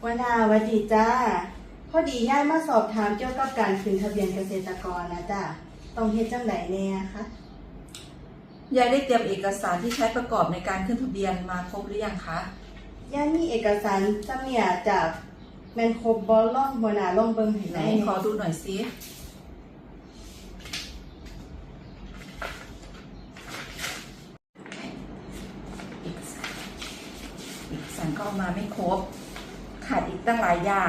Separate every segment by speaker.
Speaker 1: วนาสวัสดีจ้าพอดีย่ายมาสอบถามเกี่ยวกับการขึ้นทะเบียนเกษตรกรนะจ้าต้องเฮ็ดจังไดแน่คะ
Speaker 2: ยายได้เตรียมเอกสารที่ใช้ประกอบในการขึ้นทะเบียนมาครบหรือยังคะ
Speaker 1: ย่ายมีเอกสารจำเนี่ยจากแมนครบบ่ล่องหัวหน้าล่องเบิ่งให้ไหน
Speaker 2: ขอดูหน่อยสิเอกสารก็เอามาไม่ครบขาดอีกตั้งหลายอย่าง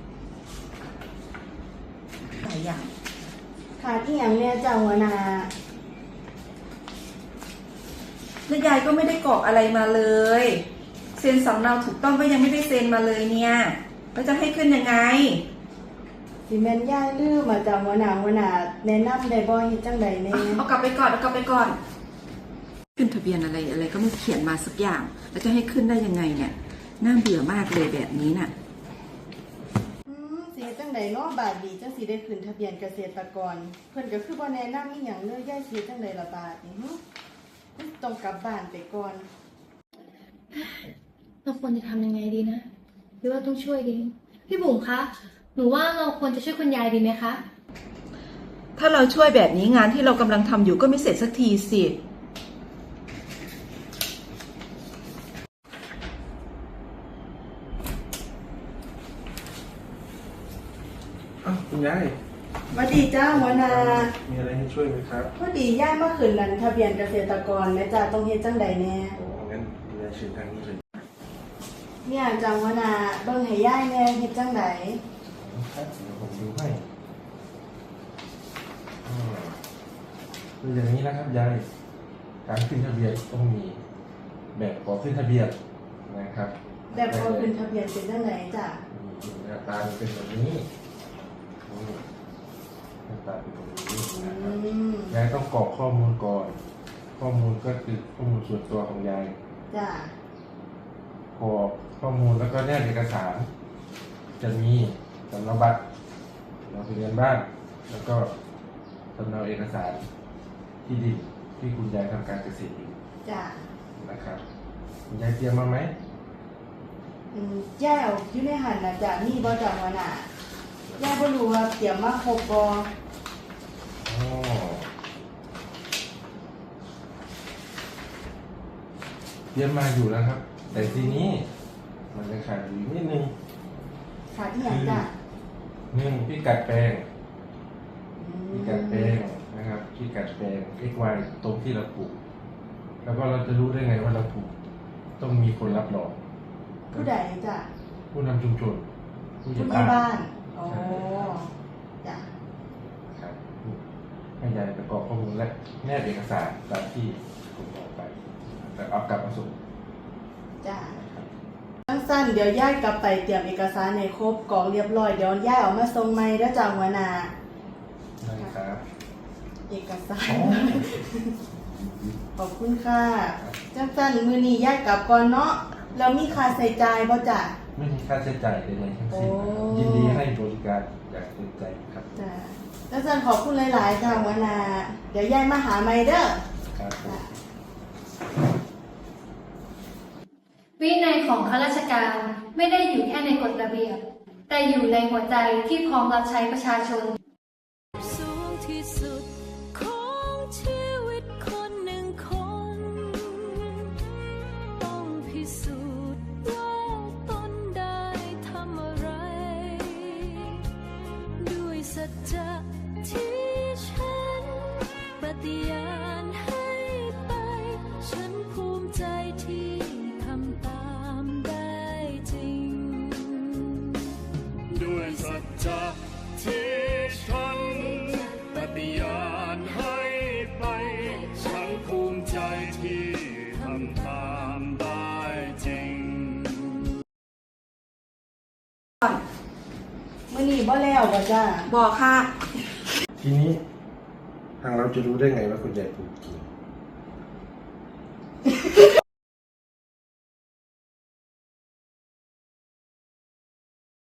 Speaker 1: ขาดอีหยังเนี่ยจ้าหัวหน้า
Speaker 2: แล้วยายก็ไม่ได้กรอกอะไรมาเลยเซ็นสำเนาถูกต้องก็ยังไม่ได้เซ็นมาเลยเนี่ยแล้วจะให้ขึ้นยังไง
Speaker 1: สิแม่นย่ายลืมมาจ้าหัวหน้าแนะนำได้บ่เฮ็ดจังไดแน่
Speaker 2: เอากลับไปก่อนขึ้นทะเบียนอะไรก็ไม่เขียนมาสักอย่างแล้วจะให้ขึ้นได้ยังไงเนี่ยน่าเบื่อมากเลยแบบนี้น่ะ
Speaker 1: สิเฮ็ดจังไดเนาะบาดนี้จังสิได้ขึ้นทะเบียนเกษตรกรเพิ่นก็คือบ่แนะนำอีหยังเลยย่ายสิเฮ็ดจังไดล่ะบาดนี้ต้องกลับบ้านไปก่อน
Speaker 3: เราควรจะทำยังไงดีนะหรือว่าต้องช่วยดีพี่บุ๋มคะหนูว่าเราควรจะช่วยคุณยายดีไหมคะ
Speaker 2: ถ้าเราช่วยแบบนี้งานที่เรากำลังทำอยู่ก็ไม่เสร็จสักทีสิ
Speaker 4: คุณยาย
Speaker 1: สวัสดีจ้าหัวหน้า
Speaker 4: มีอะไรให้ช่วยไหมครับ
Speaker 1: พอดีย่ายมาขึ้นนั้นทะเบียนเกษตรกรแม่จ้าต้องเฮ็ดจังใดแน่
Speaker 4: โอ้งั้นคุณยายเชิญทางนี้เลย
Speaker 1: เนี่ยจ้าหัวหน้าเบิ่งให้ย่ายแน่เฮ็ดจังใด
Speaker 4: ครับเดี๋ยวผมดูให้คืออย่างนี้นะครับยายการขึ้นทะเบียนต้องมีแบบขอขึ้นทะเบียนนะครับ
Speaker 1: แบบขอขึ้นทะเบียนเป็นจังไดจ้ะ
Speaker 4: หน้าตาเป็นแบบนี้หน้าตาเป็นแบบนี้นะครับยายต้องกรอกข้อมูลก่อนข้อมูลก็คือข้อมูลส่วนตัวของยาย
Speaker 1: จ้ะ
Speaker 4: กรอกข้อมูลแล้วก็แนบเอกสารจะมีสำเนาบัตรเราทะเบียนบ้านแล้วก็สำเนาเอกสารที่ดินที่คุณยายทำการเกษตรอยู่
Speaker 1: จ้ะ
Speaker 4: นะครับคุณยายเตรียมมาไหม
Speaker 1: ย่ายเอาอยู่ในหันนะจ้ะมีบ่จ้ะหัวหน้าย่ายบ่รู้ว่าเตรียมมาครบบ่
Speaker 4: เตรียมมาอยู่แล้วครับแต่ทีนี้มันจะขาดอยู่นิดนึง
Speaker 1: ขาดอีหยังจ้ะ
Speaker 4: พิกัดแปลงนะครับพิกัดแปลง XY ตรงที่เราปลูกแล้วก็เราจะรู้ได้ไงว่าเราปลูกต้องมีคนรับรอง
Speaker 1: ผู้ใดจ้ะ
Speaker 4: ผู้นำชุมชน
Speaker 1: ผู้ใหญ่บ้านอ๋อจ้ะ
Speaker 4: ครับให้ยายประกอบข้อมูลและแนบเอกสารตามที่ผมบอกไปแต่เอากลับมาส่ง
Speaker 1: จ้ะสั้นๆเดี๋ยวย่ายกลับไปเตรียมเอกสารให้ครบกรอกเรียบร้อยเดี๋ยวย่ายเอามาส่งใหม่แล้วจ้ะหัวหน้า
Speaker 4: ได้ครับ
Speaker 1: เอกสารขอบคุณค่ะสั้นๆมื้อนี้ย่ายกลับก่อนเนาะแล้วมีค่าใช้จ่ายบ่จ้ะ
Speaker 4: ไม่มีค่าใช้จ่ายใดๆทั้งสิ้นยินดีให้บริการอย่างเต็มใจครับ
Speaker 1: จ้ะแล้วสั้นขอบคุณหลายๆจ้ะหัวหน้าเดี๋ยวย่ายมาหาใหม่เด้อ
Speaker 4: ครับ
Speaker 3: วินัยของข้าราชการไม่ได้อยู่แค่ในกฎระเบียบแต่อยู่ในหัวใจที่พร้อมรับใช้ประชาชน
Speaker 5: สูงที่สุดของชีวิตคนหนึ่งคนต้องพิสูจน์ว่าตนได้ทำอะไรด้วยสัจจะที่ฉันปฏิญาณให้ไปฉันภูมิใจที่ทำตามได้จริงด้วยสัจจะที่ฉันปฏิญาณให้ไปฉันภูมิใจที่ทำตามได้จริง
Speaker 1: มื้อนี้บ่แล้วบ่จ้ะ
Speaker 2: บอกค่ะ
Speaker 4: ทีนี้ทางเราจะรู้ได้ไงว่าคุณยายปลูกจริง